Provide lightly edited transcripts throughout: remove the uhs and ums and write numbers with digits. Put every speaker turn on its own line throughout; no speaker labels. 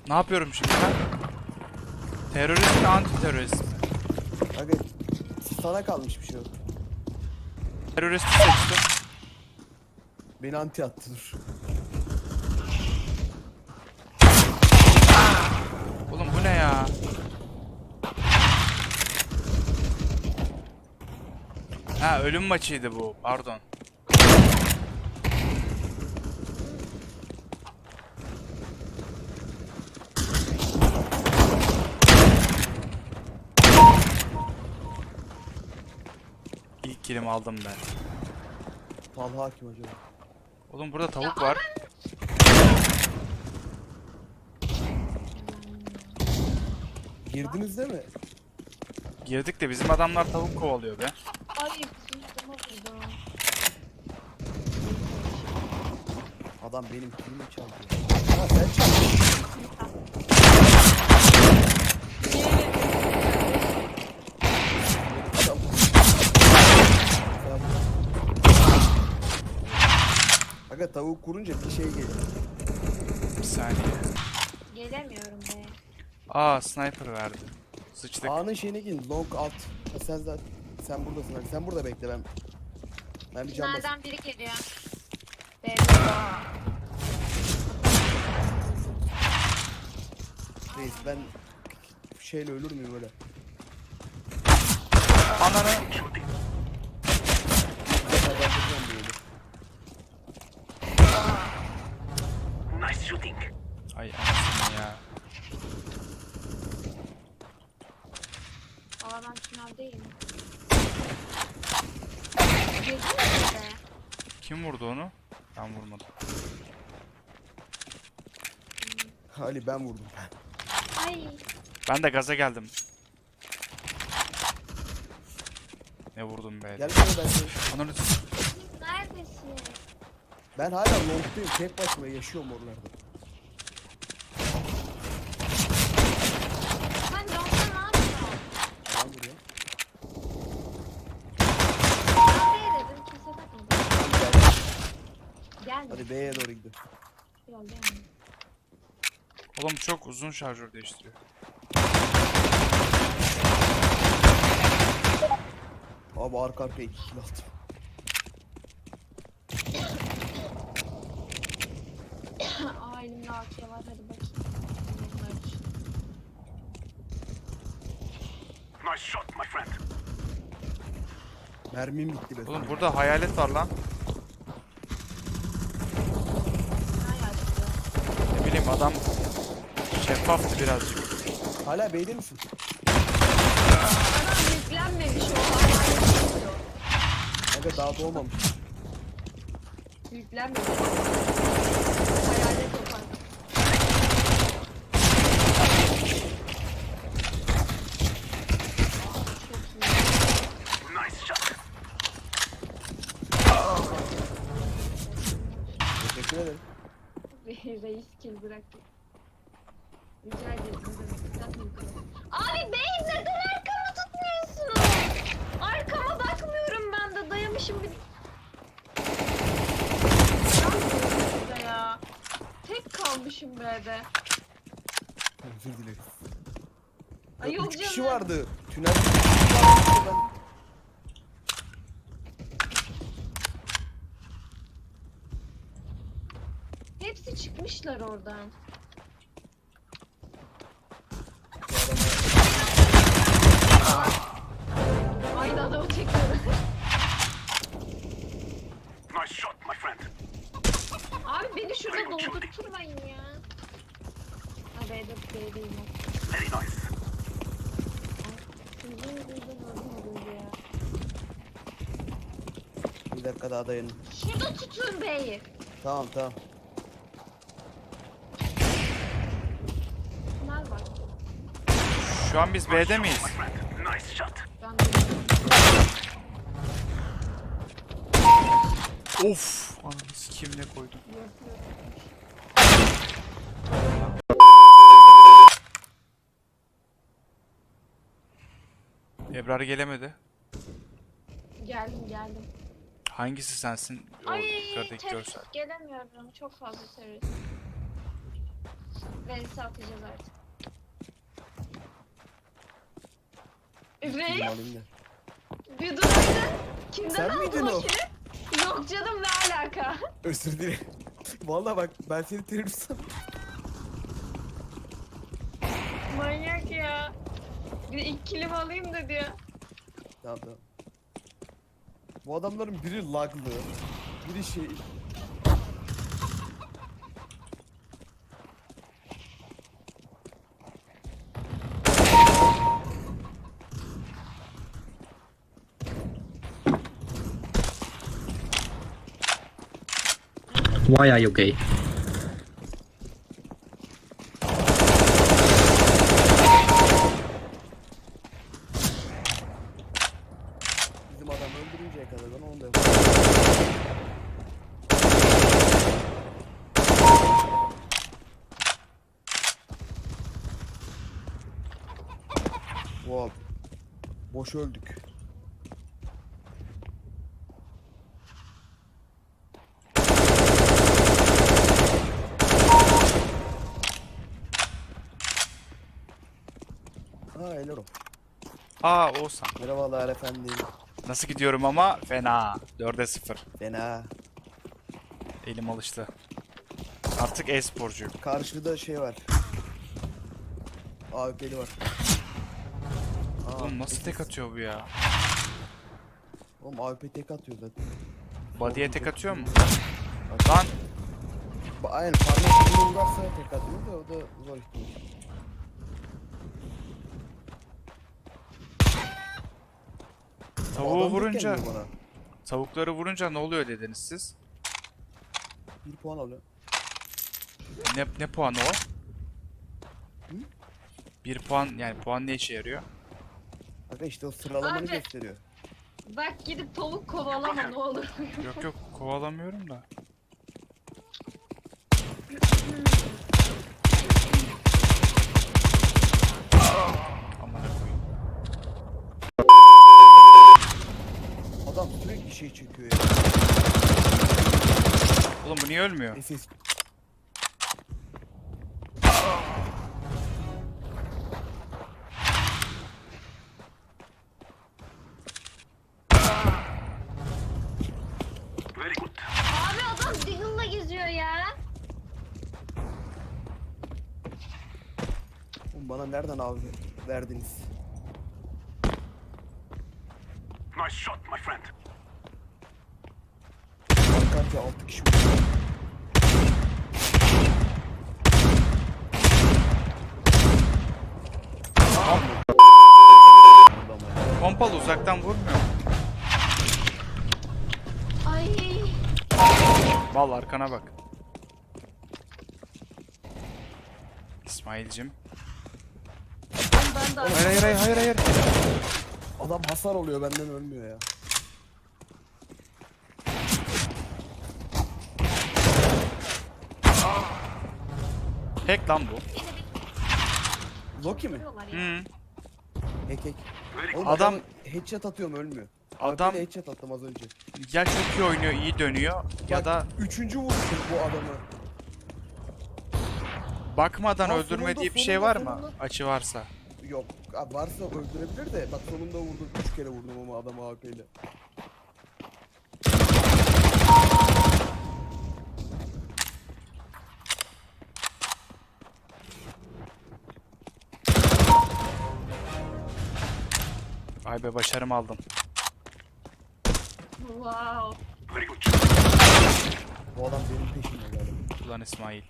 Ne yapıyorum şimdi ben? Terörist mi, anti terörist mi?
Aga sana kalmış bir şey yok.
Teröristi seçtim.
Beni anti attı dur.
Oğlum bu ne ya? Ha, ölüm maçıydı bu. Pardon. İlk kilimi aldım ben.
Talha kim acaba?
Oğlum burada tavuk var.
Girdiniz değil mi?
Girdik de bizim adamlar tavuk kovalıyor be.
Ay kızım burada.
Adam benim kilimi çaldı. Ha sen çaldın. Adam. Aga tavuk kurunca bir şey geliyor.
Bir saniye.
Gelemiyorum be.
Aa, sniper verdi. Sıçtık.
A'nın şeyine gidin. Long alt. Ha, sen zaten sen buradasın. Hadi sen burada bekle ben. Ben bir can basayım.
Nereden biri geliyor? Be.
Reis ben şeyle ölür müyüm öyle?
Ananı.
Kazandıracağım böyle.
Nice shooting.
Ay anasını ya.
Aa ben finaldeyim. Girdin mi be?
Kim vurdu onu? Ben vurmadım.
Ali ben vurdum.
Ay.
Ben de gaza geldim. Ne vurdum be?
Gel buraya ben seni.
Ananı.
Neredesin?
Ben hala long'dayım. Tek başıma yaşıyorum oralarda.
Sen yolda ne yapıyorsun?
Adam buraya.
Nereye dedim kimse bakmadı.
Gel.
Gelme.
Hadi B'ye doğru gidelim.
Yok gelme.
Oğlum çok uzun şarjör değiştiriyor.
Abi arka arkaya 2 kill attım.
Aa elimde AK var hadi bakayım. Bunlar için.
Nice shot, my friend.
Mermim bitti be.
Oğlum burada hayalet var lan.
Ne yaşlı?
Ne bileyim adam şeffaftı birazcık.
Hala B'de misin?
Adam yüklenmemiş o hala.
Aga daha doğmamış.
Yüklenmemiş. Hayalet yapan. Çok iyi.
Nice shot.
Teşekkür ederim.
Reis kill bıraktı. Rica ederim. Abi bey neden arkamı tutmuyorsunuz? Arkama bakmıyorum ben de dayamışım bir... Burada ya. Tek kalmışım B'de.
Özür dileriz.
Ay yok
3 kişi
canım.
vardı. Tünel. 3 kişi vardı. Ben...
Hepsi çıkmışlar oradan. Aynı adamı çekiyorum.
Nice shot, my friend.
Abi beni şurada doldurtturmayın ya. Ha B'deyim o.
Very nice.
Sizin yüzünüzden öldüm ya.
Bir dakika daha dayanın.
Şurada tutun B'yi.
Tamam tamam.
Bunlar var.
Şu an biz B'de miyiz?
My friend. Nice shot.
Ben de
Of! Ananı sikeyim ne koydum. Ebrar gelemedi.
geldim.
Hangisi sensin? O
Ay
yukarıdaki görsel.
terörist gelemiyorum. Çok fazla terörist. Reis'i atacağız artık.
Film
Reis
alayım da.
bir duraydın. Kimden
Sen
aldın
miydin
o
o?
kili? Yok canım ne alaka?
Özür dilerim. Vallahi bak ben seni terörist sandım.
Manyak ya. Bir ilk kilimi alayım dedi ya.
Tamam tamam. Bu adamların biri laglı, biri şey...
Why are you gay?
Bizim adam öldürünceye kadar ben onu da yaparım. Wow. Boş öldük. Ha Elero.
Aa Oğuzhan.
Merhabalar efendim.
Nasıl gidiyorum ama? Fena. 4'e 0.
Fena.
Elim alıştı. Artık e-sporcuyum.
Karşıda şey var. AWP'li var. Aa,
Oğlum nasıl tek
peki.
atıyor bu ya?
Oğlum AWP tek atıyor zaten.
Body'ye tek atıyor mu? Lan
Aynen parmak ucunu vurarsa tek atıyor da o da zor ihtimal.
tavuğu
Adam tek
vurunca,
gelmiyor bana.
tavukları vurunca ne oluyor dediniz siz?
1 puan alıyor.
Ne puanı o?
Hı?
1 puan yani puan ne işe yarıyor?
Aga işte o sıralamanı
Abi.
gösteriyor.
Bak gidip tavuk kovalama ne olur.
Yok yok kovalamıyorum da. Amına koyayım.
Adam sürekli şey çekiyor ya.
Oğlum bu niye ölmüyor?
SS.
Very good.
Abi adam Deagle'la geziyor ya.
Oğlum bana nereden abi verdiniz?
Nice shot, my friend.
Arka 6 kişi vurdu.
Pompalı uzaktan vurmuyor.
Ay.
Vallahi arkana bak. İsmail'cim.
Ben de
Hayır.
Adam hasar oluyor benden ölmüyor ya.
Hack lan bu.
Loki mi?
vuruyorlar ya.
Hı.
Hack.
Very good.
Oğlum
Adam-
adam headshot atıyorum ölmüyor.
Adam
AWP'yle headshot attım az önce.
ya çok iyi oynuyor, iyi dönüyor ya
Bak,
da
3. vuruşum bu adamı.
bakmadan
Ha,
öldürmediği bir şey
sonunda,
var mı?
sonunda.
Açı varsa.
Yok abi varsa öldürebilir de bak sonunda vurdum 3 kere vurdum ama adamı AWP'yle.
Vay be başarımı aldım.
Wow.
Very good shot.
Bu adam benim peşimde galiba.
Ulan İsmail.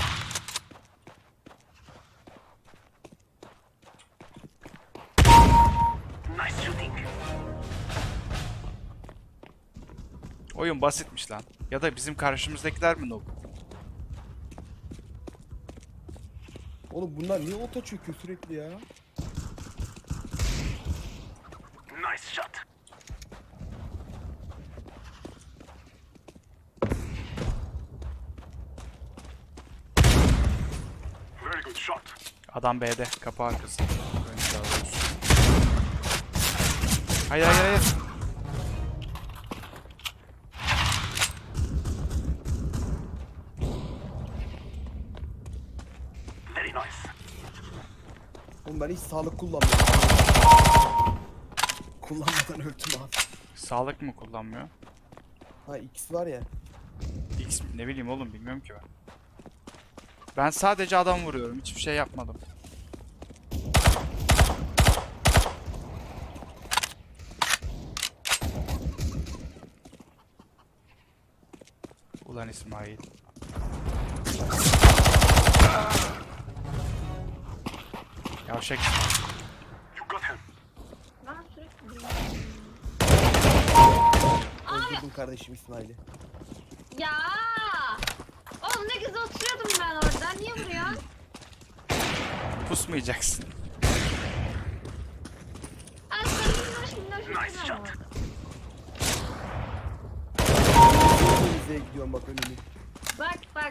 Nice shooting.
Oyun basitmiş lan. Ya da bizim karşımızdakiler mi noob?
Oğlum bunlar niye ota çöküyor sürekli ya?
Nice shot. Very good shot.
Adam B'de, kapı arkası. Önce daha doğrusu. Hayır.
Let's Nice.
Oğlum ben hiç sağlık kullanmıyorum. Kullanmadan öldüm abi.
Sağlık mı kullanmıyor?
Ha X var ya.
X ne bileyim oğlum, bilmiyorum ki ben. Ben sadece adam vuruyorum. Hiçbir şey yapmadım. Ulan İsmail. Yavşak İsmail.
You got him.
Ben sürekli
Öldürdüm kardeşim İsmail'i.
Ya! Oğlum ne güzel oturuyordum ben orada. Niye vuruyorsun?
Pusmayacaksın.
Ay sen minnoş
Nice shot.
ama.
Denizli'ye gidiyorum bak önümü.
Bak bak.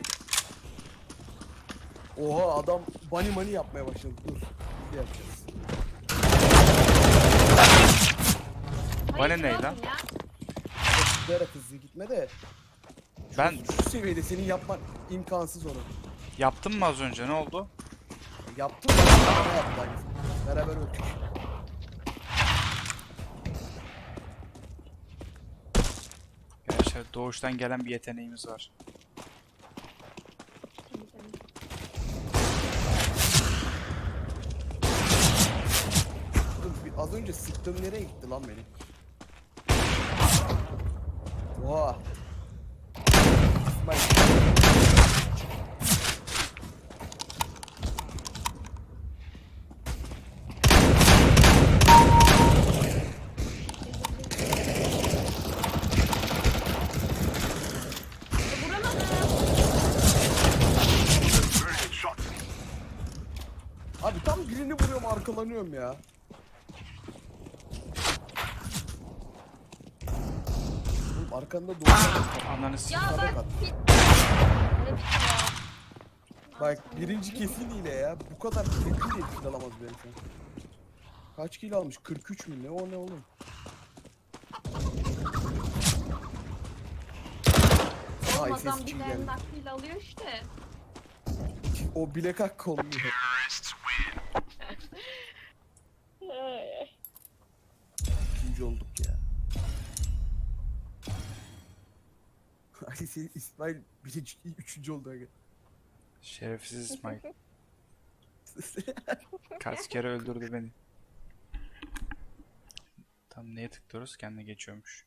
Oha adam bunny money yapmaya başladı. Dur. Bir yapacağız.
Bana
Hayır,
ne
oğlum
lan?
ya.
Zıplayarak hızlı gitme de.
Ben
Şu seviyede senin yapman imkansız onu.
yaptım mı az önce, ne oldu?
Yaptım da bana yaptı aynısını. Beraber öldük.
Gerçi doğuştan gelen bir yeteneğimiz var.
Tabii, tabii.
Dur, az önce sıktığım nereye gitti lan benim? Oha. İsmail.
Vuramadım.
Very good shot.
Abi tam birini vuruyorum arkalanıyorum ya. Oğlum arkanda doğru.
Ananı
Ya
sikeyim.
Sabah
bak
at.
bit. Öyle bitiyor.
Bak birinci kesin hile ya. Bu kadar kesin de kill alamaz benim şu an. Kaç kill almış? 43 mü? Ne o ne oğlum? Ay
Olmadan
ses
bir
için
de
geldi.
nakliyle alıyor işte.
O bilek hakkı olmuyor. İkinci olduk ya. Ay sen İsmail birinci, üçüncü oldu aga.
Şerefsiz İsmail. Kaç kere öldürdü beni. Tam neye tıklıyoruz? Kendine geçiyormuş.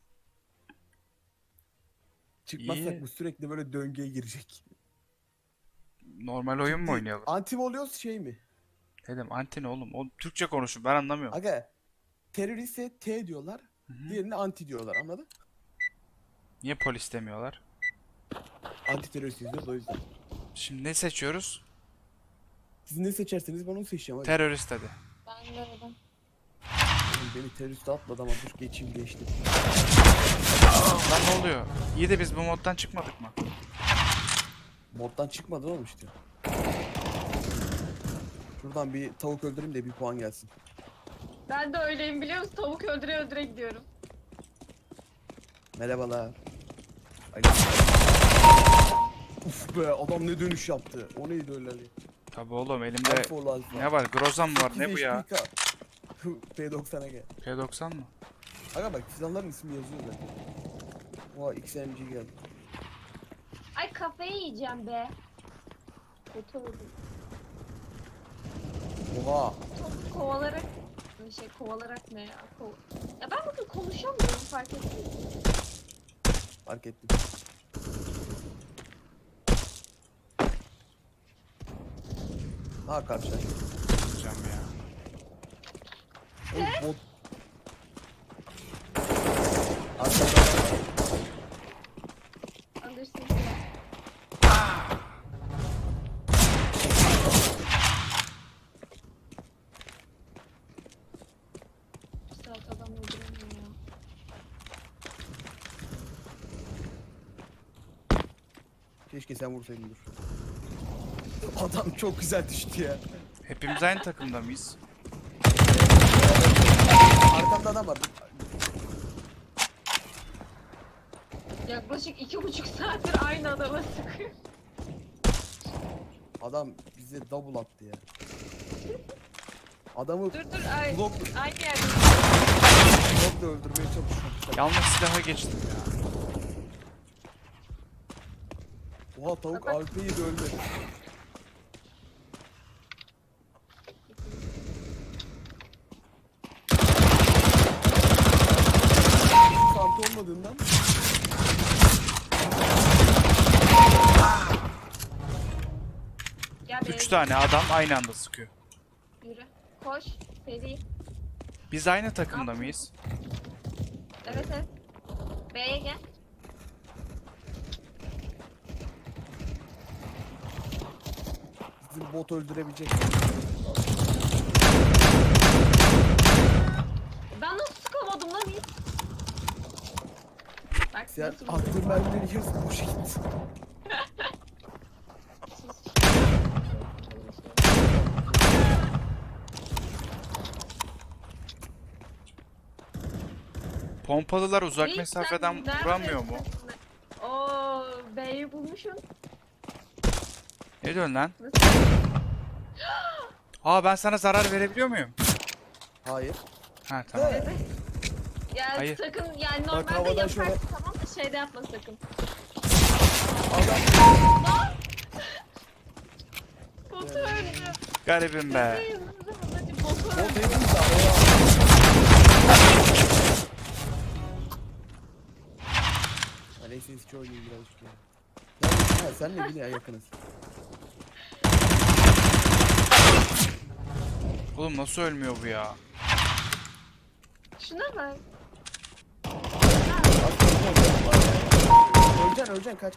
Çıkmazsak
İyi.
bu sürekli böyle döngüye girecek.
Normal oyun mu oynayalım?
Anti mi oluyoruz şey mi?
Dedim anti ne oğlum? O Türkçe konuşun, ben anlamıyorum.
Aga teröriste T diyorlar. Diğerine anti diyorlar anladın?
Niye polis demiyorlar?
Anti terörist diyoruz o yüzden.
Şimdi ne seçiyoruz?
Siz ne seçerseniz ben onu seçeceğim. Aga.
Terörist dedi.
Ben de öyle.
Oğlum beni teröriste atmadı ama dur geçeyim geçtim.
Lan ne oluyor? İyi de biz bu moddan çıkmadık mı?
Moddan çıkmadı oğlum işte. Şuradan bir tavuk öldüreyim de bir puan gelsin.
Ben de öyleyim biliyor musun? Tavuk öldüre öldüre gidiyorum.
Merhabalar. Uf be adam ne dönüş yaptı. O neydi öyle Ali?
Tabi oğlum, elimde
Alfa ol alfa.
ne var? Grozan mı var? Ne bu ya?
P90'a gel.
P90 mı?
Aga bak silahların ismi yazıyor zaten. Oha XMG geldi.
Ay kafayı yiyeceğim be. Kötü oldum.
Oha.
Top kovalarak kovalarak ne ya? Ya ben bugün konuşamıyorum fark ettin mi?
Fark ettim. Ha karşılaştık.
Hocam ya.
Oğlum bot. Arkada
Alırsın. Bir saat adam öldüremiyor ya.
keşke sen vursaydın dur. Adam çok güzel düştü ya.
Hepimiz aynı takımda mıyız?
Arkamda adam var.
Yaklaşık 2,5 saattir aynı adama sıkıyor.
Adam bize double attı ya. Adamı
Dur ay,
blok,
aynı yerde.
blokla öldürmeye çalışıyor.
Yanlış silaha geçtim ya.
Oha tavuk
Bak.
AWP'yi de ölmedi. Santı olmadığından
Gel be.
3 tane adam aynı anda sıkıyor.
Yürü. Koş. Seri.
Biz aynı takımda mıyız?
Evet evet. B'ye gel.
bizim bot öldürebilecek.
Ben nasıl sıkamadım lan hiç? Bak
Sen
nasıl
attığın mermileri yarısı boşa gitti.
Pompalılar uzak
Reis,
mesafeden
sen neredesin?
vuramıyor mu?
Oo, B'yi bulmuşsun.
Ne diyorsun lan?
Nasıl?
Aa ben sana zarar verebiliyor muyum?
Hayır.
Ha tamam.
Evet. Ya
Hayır.
sakın yani
Bak,
normalde
havadan
yaparsın
şöyle-
tamam da şeyde yapma sakın.
Adam
Botu öldü.
Garibim be.
Bebeğim, hadi botu
bot
öldü.
hepimiz araya. Ha, neyse eski oynayayım birazcık ya. Ha, senle yine yakınız.
Oğlum nasıl ölmüyor bu ya?
Şuna bak.
Öleceksin kaç.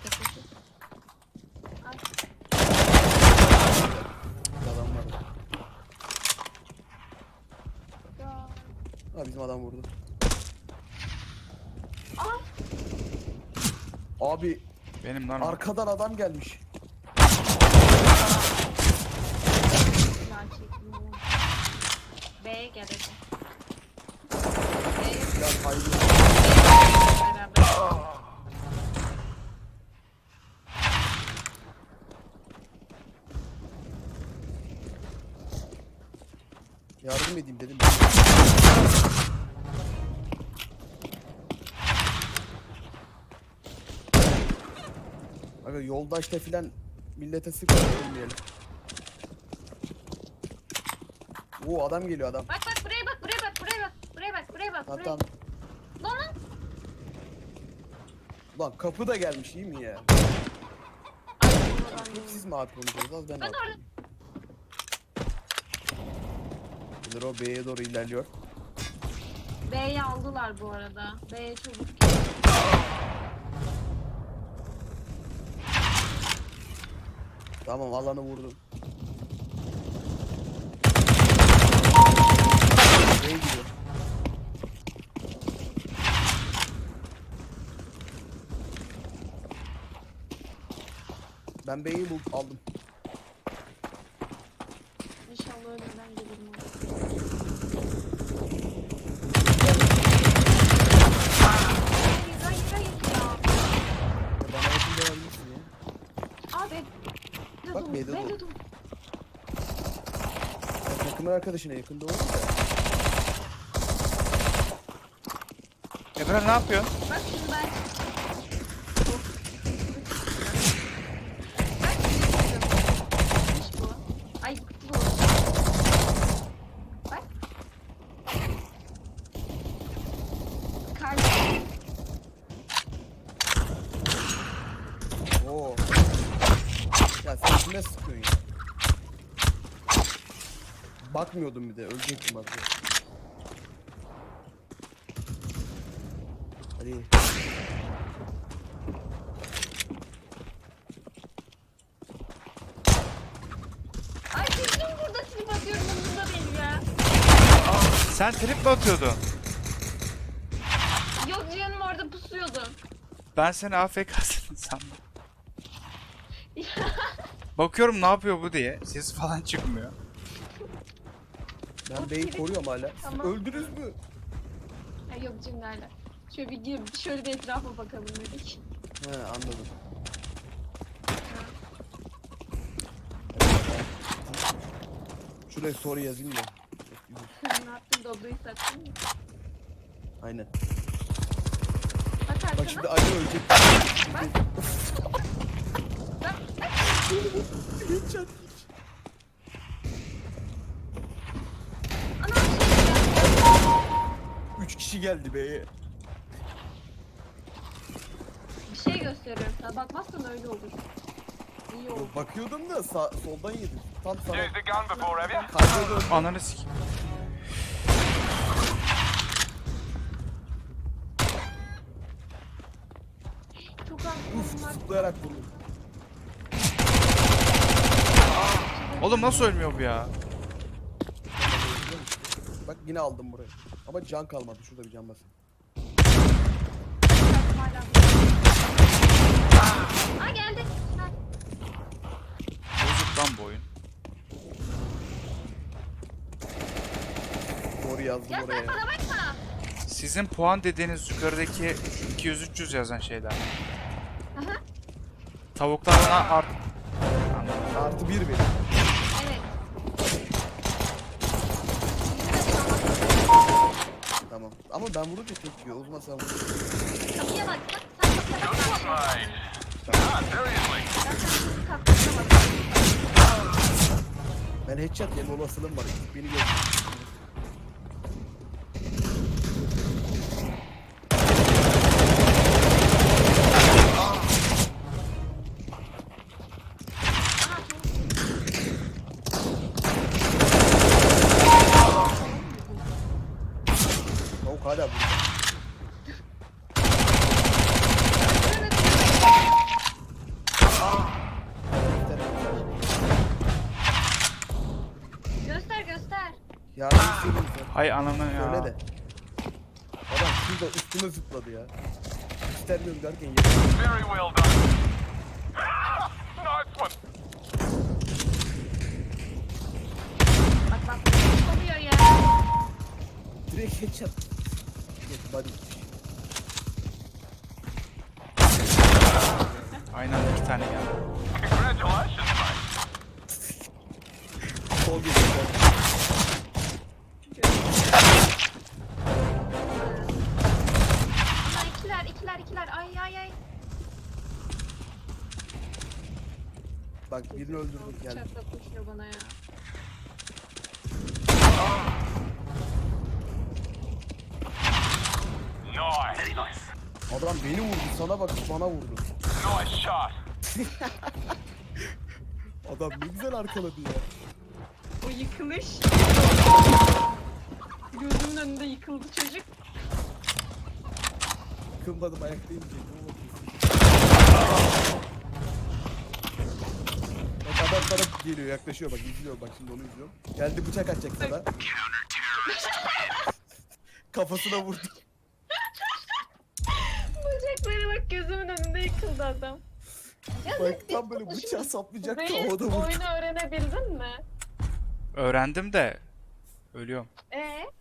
Adam var. Ha bizim adam vurdu. Abi
Benim lan o.
arkadan adam gelmiş.
B'ye gel hadi. B'ye
Ya haydi.
beraber.
Yardım edeyim dedim. Aga yoldaşta filan millete sıkılmayalım. Oo adam geliyor adam.
Bak bak buraya bak buraya bak buraya bak. Buraya bak buraya bak buraya.
Tamam.
Lan lan.
Lan kapı da gelmiş iyi mi ya?
Ay, oradan değil.
Siz mi AP olacağız? Az ben
Ben
AP
orada-
olayım. Bilir o B'ye doğru ilerliyor.
B'yi aldılar bu arada. B'ye çabuk.
Tamam alanı vurdum. B'ye gidiyor. Ben B'yi aldım.
İnşallah ölmeden gelirim. Hayır hayır ya.
Bana yakın olabilirsin ya.
Abi.
Bak, B'de
B'de
dur.
dur.
Ya takımın arkadaşına yakında olur da.
Ebrar ne yapıyorsun?
Bak şimdi ben. Bak şimdi bu. Ay bu. Bak. Kardeşim.
Oo. Ya sen kime sıkıyorsun ya? Bakmıyordum bir de ölecektim bak. Hadi.
Ay çocuğum burada trip atıyorum umurumda değil ya.
Sen trip mi atıyordun?
Yok canım orada pusuyordum.
Ben seni AFK'sın sandım. Bakıyorum ne yapıyor bu diye. Ses falan çıkmıyor.
Ben B'yi koruyorum hala. Siz
Tamam.
öldünüz mü?
Ay yok cimlerle. Şöyle bir gir, şöyle bir etrafa bakalım dedik.
He anladım. Şuraya soru yazayım da.
Ne yaptın? Dodo'yu sattın mı?
Aynen.
Bak
Bak
arkana.
şimdi Ali ölecek. Headshot.
Ana şey
3 kişi geldi be.
bir şey gösteriyorum sana. Bakmazsan öyle olur. İyi oldu.
Bakıyordum da soldan yedim. Tam sana
Use the gun before, have you?
kalbe döndüm.
Ananı sik.
Çok az
Uf
bunlar.
zıplayarak vurdum.
Oğlum nasıl ölmüyor bu ya?
Bak yine aldım burayı. Ama can kalmadı. Şurada bir can basın.
Hala. Aa geldi. Ha.
Bozuk lan bu oyun.
Doğru yazdım
Ya
oraya.
sen bana bakma.
Sizin puan dediğiniz yukarıdaki 200-300 yazan şeyler.
Aha.
Tavuklar bana art...
Artı 1 benim.
Evet.
Tamam. Ama ben vurunca tek yiyor. O zaman sen vur.
Kapıya bak. Sen kapıya bak.
Right. Ah, seriously.
Ben sen kapıya bak.
Ben headshot yeme olasılığım var. Beni gör. Tavuk hala burada.
Göster göster.
Ya bir şey diyeyim sen.
Hay ananı ya.
Söyle de. Adam şurada üstüme zıpladı ya. İstemiyorum derken yedim.
Very well done. Nice one.
Bak bak. Ne oluyor ya?
Direkt headshot. Geç body.
Aynı anda 2 tane geldi.
Congratulations, mate.
Sol geliyor.
Ama ikiler. Ay ay ay.
Bak birini öldürdük geldi.
Bıçakla koşuyor bana ya.
Nice. Very nice.
Adam beni vurdu. Sana bak bana vurdu.
Nice shot.
Adam ne güzel arkaladı ya.
O yıkılış. Gözümün önünde yıkıldı çocuk.
Kılmadım ayaktayım diyecektim ama. Bak adam sana geliyor yaklaşıyor bak izliyor bak şimdi onu izliyorum. Geldi bıçak atacak sana. Kafasına vurdu.
Bacaklara bak gözümün önünde yıkıldı adam. Ya
Bak tam böyle bıçağı saplayacaktı
Zeynep,
havada vurdu.
oyunu öğrenebildin mi?
Öğrendim de ölüyorum.